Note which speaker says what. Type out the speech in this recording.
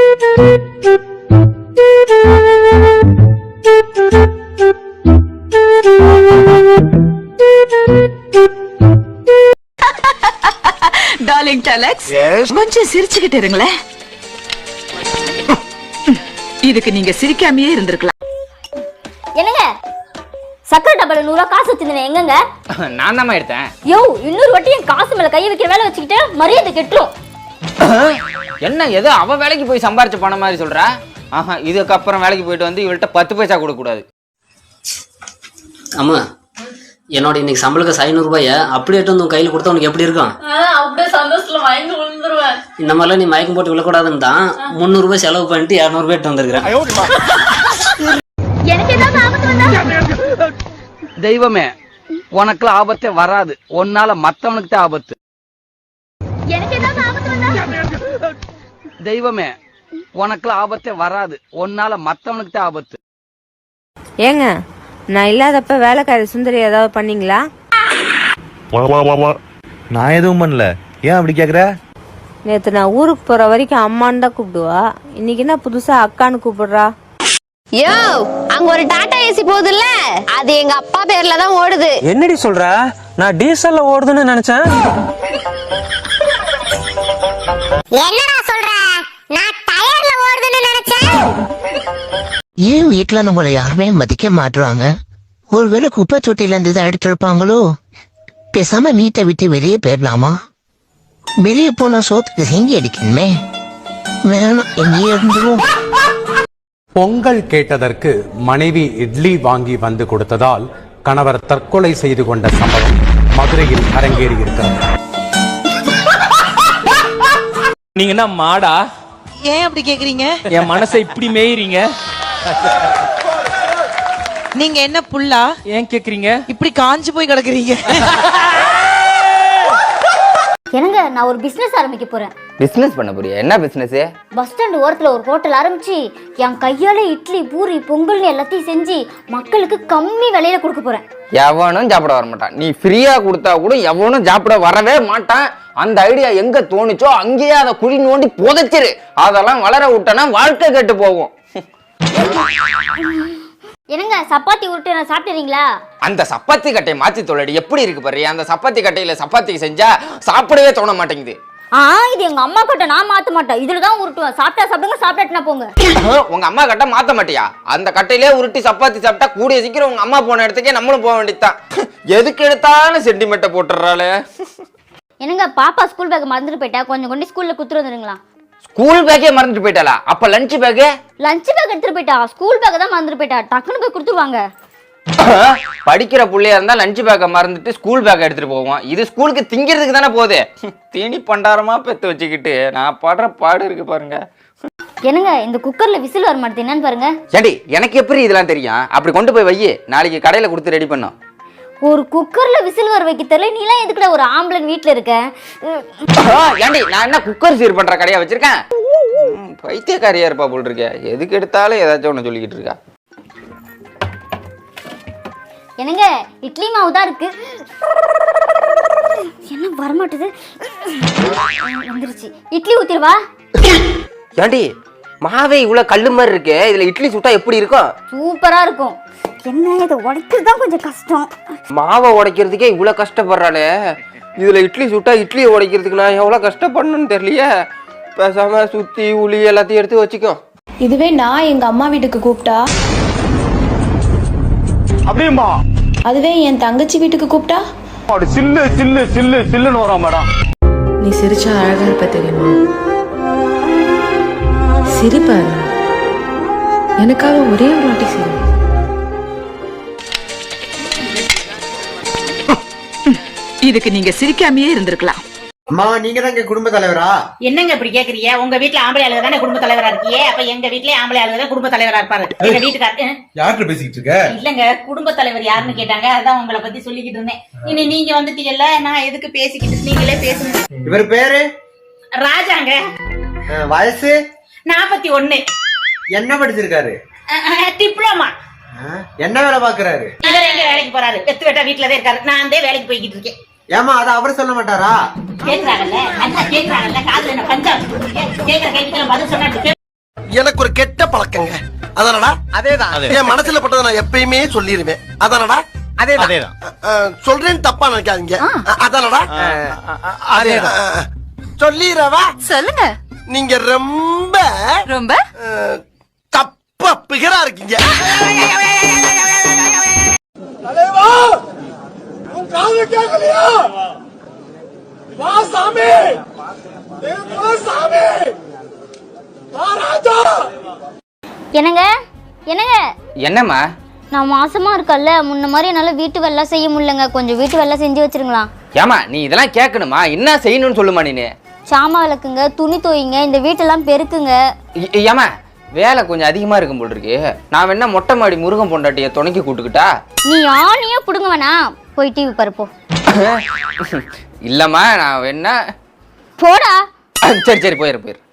Speaker 1: Darling டலக்ஸ், கொஞ்சம் சிரிச்சுக்கிட்டு இருங்களேன். இதுக்கு நீங்க சிரிக்காமையே இருந்திருக்கலாம்.
Speaker 2: என்னங்க சக்கரை டப்பால 100 ரூபா காசு வச்சிருந்தேன், எங்கங்க?
Speaker 3: நான் தான் எடுத்தேன்.
Speaker 2: யோ, இன்னொரு வாட்டி என் காசு மேல கையை வைக்கிற வேலை வச்சுக்கிட்டு மரியாதை கெட்டுரும்.
Speaker 3: என்ன ஏதோ அவ வேலைக்கு போய் சம்பாரிச்ச பணம் மாதிரி சொல்றா? ஆஹா, இதுக்கப்புறம் வேலைக்கு போயிட்டு வந்து இவள்கிட்ட 10 பைசா கொடுக்க கூடாது.
Speaker 4: அம்மா, என்னோட இன்னைக்கு சம்பளத்துக்கு 500 ரூபாய அப்படியே எடுத்து வந்து கையில் கொடுத்தா உனக்கு எப்படி இருக்கும்?
Speaker 5: அப்படியே சந்தோஷத்துல மயங்கி விழுந்துருவேன்.
Speaker 4: இந்த மாதிரிலாம் நீ மயக்கம் போட்டு விழக்கூடாதுன்னு தான் 300 ரூபாய் செலவு பண்ணிட்டு 200 ரூபாய் எடுத்து வந்திருக்கிறேன்.
Speaker 2: எனக்கு ஏதாவது ஆபத்து வந்தா
Speaker 6: தெய்வமே, உனக்குலாம் ஆபத்தே வராது. உன்னால மத்தவனுக்கு தான் ஆபத்து.
Speaker 2: எனக்கு ஏதாவது ஆபத்து வந்தா
Speaker 6: தெய்வமே, உனக்குலாம் ஆபத்தே வராது. உன்னால மத்தவனுக்கு தான் ஆபத்து.
Speaker 7: ஏங்க, நான் இல்லாதப்ப வேலைக்காரி சுந்தரி ஏதாவது பண்ணீங்களா?
Speaker 8: நான் எதுவும் பண்ணல. ஏன் அப்படி கேக்குற?
Speaker 7: நேத்து நான் ஊருக்கு போற வரைக்கும் அம்மான்னு தான் கூப்பிடுவா. இன்னைக்கு என்ன புதுசா அக்கான்னு கூப்பிடுறா?
Speaker 9: யோ, அங்க ஒரு டாடா ஏசி போகுதுல்ல, அது எங்க அப்பா பேர்ல தான் ஓடுது.
Speaker 10: என்னடி சொல்ற? நான் டீசல்ல ஓடுதுன்னு நினைச்சேன்.
Speaker 9: என்னடா சொல்ற? நான் டயர்ல ஓடுதுன்னு நினைச்சேன்.
Speaker 11: ஏன் வீட்டுல நம்மள யாருமே மதிக்க மாட்டுறாங்க? ஒருவேளை குப்பை தொட்டில இருந்து தான் எடுத்திருப்பாங்களோ? பேசாம வீட்டை விட்டு வெளியே போயிடலாமா? வெளியே போனா சோத்துக்கு செஞ்சு அடிக்கணுமே. வேணும், எங்கேயே இருந்துரும்.
Speaker 12: பொங்கல் கேட்டதற்கு மனைவி இட்லி வாங்கி வந்து கொடுத்ததால் கணவர் தற்கொலை செய்து கொண்ட சம்பவம் மதுரையில் அரங்கேறி இருக்கிறது.
Speaker 10: நீங்க என்ன மாடா?
Speaker 5: ஏன் அப்படி கேக்குறீங்க?
Speaker 10: என் மனசை இப்படி மேயிறீங்க.
Speaker 5: நீங்க என்ன புல்லா?
Speaker 10: ஏன் கேக்குறீங்க?
Speaker 5: இப்படி காஞ்சு போய் கிடக்குறீங்க.
Speaker 2: என்னங்க, நான் ஒரு பிசினஸ் ஆரம்பிக்க போறேன்.
Speaker 3: பிசினஸ் பண்ண போறியா? என்ன பிசினஸ்?
Speaker 2: பஸ் ஸ்டாண்ட் ஓரத்துல ஒரு ஹோட்டல் ஆரம்பிச்சு என் கையால இட்லி பூரி பொங்கல்னு எல்லாத்தையும் செஞ்சு மக்களுக்கு கம்மி விலையில கொடுக்க போறேன்.
Speaker 3: எவனும் சாப்பிட வர மாட்டான். நீ ஃப்ரீயா கொடுத்தா கூட எவனும் சாப்பிட வரவே மாட்டான். அந்த ஐடியா எங்க தோணுச்சோ அங்கேயே அதை குழி நோண்டி புதைச்சிரு. அதெல்லாம் வளர விட்டனா வாழ்க்கை கெட்டு போகும்.
Speaker 2: என்னங்க, சப்பாத்தி உருட்டு நான் சாப்பிட்டுறீங்களா?
Speaker 3: அந்த சப்பாத்தி கட்டையை மாத்தி தொழடி. எப்படி இருக்கு பாரு. அந்த சப்பாத்தி கட்டையில சப்பாத்தி செஞ்சா சாப்பிடவே தோண மாட்டேங்குது.
Speaker 2: இது எங்க அம்மா கிட்ட நான் மாத்த மாட்டேன். இதுலதான் உருட்டுவேன். சாப்பிட்டா சாப்பிடுங்க, சாப்பிட்டா போங்க.
Speaker 3: உங்க அம்மா கட்ட மாத்த மாட்டியா? அந்த கட்டையிலே உருட்டி சப்பாத்தி சாப்பிட்டா கூடிய சீக்கிரம் உங்க அம்மா போன இடத்துக்கே நம்மளும் போக வேண்டியதுதான். எதுக்கு எடுத்தாலும் சென்டிமெண்ட்டை போட்டுறாளே.
Speaker 2: என்னங்க, பாப்பா ஸ்கூல் பேக் மறந்துட்டு போயிட்டா, கொஞ்சம் கொண்டு ஸ்கூல்ல குத்துட்டு வந்துருங்களா?
Speaker 3: ஸ்கூல் பேக்கே மறந்துட்டு போயிட்டாளா? அப்ப லஞ்ச் பேக்?
Speaker 2: லஞ்ச் பேக் எடுத்துட்டு போயிட்டா, ஸ்கூல் பேக் தான் மறந்துட்டு போயிட்டா. டக்குனு போய் கொடுத்துருவாங்க.
Speaker 3: படிக்கிற புள்ளையா இருந்தா லஞ்ச் பேக்கை மறந்துட்டு ஸ்கூல் பேக்கை எடுத்துட்டு போவோம். இது ஸ்கூலுக்கு திங்கிறதுக்கு தானே போகுது. தீனி பண்டாரமா பெத்து வச்சுக்கிட்டு நான் படுற பாடு இருக்கு பாருங்க.
Speaker 2: என்னங்க, இந்த குக்கர்ல விசில் வர மாட்டேது, என்னன்னு பாருங்க.
Speaker 3: ஏடி, எனக்கு எப்படி இதெல்லாம் தெரியும்? அப்படி கொண்டு போய் வை, நாளைக்கு கடையில கொடுத்து ரெடி பண்ணோம்.
Speaker 2: ஒரு குக்கர்ல விசில் வர வைக்க தெரியல, நீ எல்லாம் எதுக்குடா ஒரு ஆம்பளை வீட்டுல இருக்க?
Speaker 3: ஏண்டி, நான் என்ன குக்கர் சீர் பண்ற கடையா வச்சிருக்கேன்? பைத்தியக்காரியா இருப்பா போல் இருக்க. எதுக்கு எடுத்தாலும் ஏதாச்சும் ஒண்ணு சொல்லிக்கிட்டு இருக்கா.
Speaker 2: என்னங்க, இட்லி மாவு தான் இருக்கு. என்ன வரமாட்டுது? வந்துருச்சு. இட்லி ஊத்திடுவா.
Speaker 3: ஏண்டி, மாவே இவ்வளவு கல்லு மாதிரி இருக்கு. இதுல இட்லி சுட்டா எப்படி இருக்கும்?
Speaker 2: சூப்பரா இருக்கும். என்ன, இதை உடைக்கிறது தான் கொஞ்சம் கஷ்டம்.
Speaker 3: மாவை உடைக்கிறதுக்கே இவ்வளவு கஷ்டப்படுறாளே, இதுல இட்லி சுட்டா இட்லியை உடைக்கிறதுக்கு நான் எவ்வளவு கஷ்டப்படணும்னு தெரியலையே. பேசாம சுத்தி உளி எல்லாத்தையும் எடுத்து வச்சுக்கோ.
Speaker 9: இதுவே நான் எங்க அம்மா வீட்டுக்கு கூப்பிட்டா,
Speaker 10: அப்படியுமா?
Speaker 9: அதுவே என் தங்கச்சி வீட்டுக்கு கூப்பிட்டா,
Speaker 10: சில்லு சில்லு சில்லு சில்லுன்னு வரும் மேடம்.
Speaker 1: நீ சிரிச்சா அழகா இருப்ப தெரியுமா? சிரிப்பாரு. எனக்காக ஒரே ஒரு வாட்டி சிரி. இதுக்கு நீங்க சிரிக்காமையே இருந்திருக்கலாம்.
Speaker 8: அம்மா, நீங்க தான் குடும்ப தலைவரா?
Speaker 5: என்னங்க இப்படி கேக்குறீங்க? உங்க வீட்டுல ஆம்பளை ஆளுங்க தானே குடும்ப தலைவரா இருக்கியே, அப்ப எங்க வீட்லயே ஆம்பளை ஆளுங்க தான் குடும்ப தலைவரா இருப்பாரு. எங்க வீட்டுக்காரரு
Speaker 8: யார்கிட்ட பேசிக்கிட்டு இருக்க?
Speaker 5: இல்லங்க, குடும்ப தலைவர் யாருன்னு கேட்டாங்க, அதான் உங்களை பத்தி சொல்லிக்கிட்டு இருந்தேன். இனி நீங்க வந்துட்டீங்கல்ல, நான் எதுக்கு பேசிக்கிட்டு, நீங்களே பேசுங்க.
Speaker 8: இவர் பேரு
Speaker 5: ராஜாங்க.
Speaker 8: வயசு
Speaker 5: 41.
Speaker 8: என்ன படிச்சிருக்காரு?
Speaker 5: டிப்ளமா.
Speaker 8: என்ன வேலை பாக்குறாரு?
Speaker 5: இவர் எங்க வேலைக்கு போறாரு? வெத்து வெட்டா வீட்டுலதான் இருக்காரு. நான் வந்து வேலைக்கு போய்கிட்டு இருக்கேன்.
Speaker 8: ஏமா, அத அவர் சொல்ல மாட்டாரா?
Speaker 5: கேக்குறாங்கல்ல, அண்ணா கேக்குறாங்கல்ல, காதுல என்ன பஞ்சா வச்சுட்டு கேக்குற கேள்விக்கு பதில் சொன்னா
Speaker 8: எனக்கு ஒரு கெட்ட பழக்கங்க. அதானடா? அதேதான். என் மனசுல பட்டதை நான் எப்பயுமே சொல்லிருவேன். அதானடா? அதேதான். சொல்றேன்னு தப்பா நினைக்காதீங்க. அதானடா? அதேதான். சொல்லிரவா? சொல்லுங்க. நீங்க ரொம்ப ரொம்ப தப்பா பிகரா இருக்கீங்க. தலைவா, உன் காது கேட்கலையா? வா சாமி, வா சாமி, வா ராஜா.
Speaker 2: என்னங்க என்னங்க
Speaker 3: என்னம்மா?
Speaker 2: நான் மாசமா இருக்கல்ல, முன்ன மாதிரி என்னால வீட்டு வேலை செய்ய முடியலங்க. கொஞ்சம் வீட்டு வேலை செஞ்சு வச்சிருங்களா?
Speaker 3: ஏமா நீ இதெல்லாம் கேட்கணுமா? என்ன செய்யணும்னு சொல்லுமா நீ.
Speaker 2: சாமா விளக்குங்க, துணி துவைங்க, இந்த வீட்டெல்லாம் பெருக்குங்க.
Speaker 3: ஏமா வேலை கொஞ்சம் அதிகமா இருக்கும் போல் இருக்கு. நான் வேணா மொட்டை மாடி முருகன் பொண்டாட்டிய துணைக்கி கூட்டுக்கிட்டா?
Speaker 2: நீ ஆணியே புடுங்க வேணா, போய் டிவி பாருப்போ.
Speaker 3: இல்லம்மா நான் வேணா
Speaker 2: போடா.
Speaker 3: சரி போயிரு.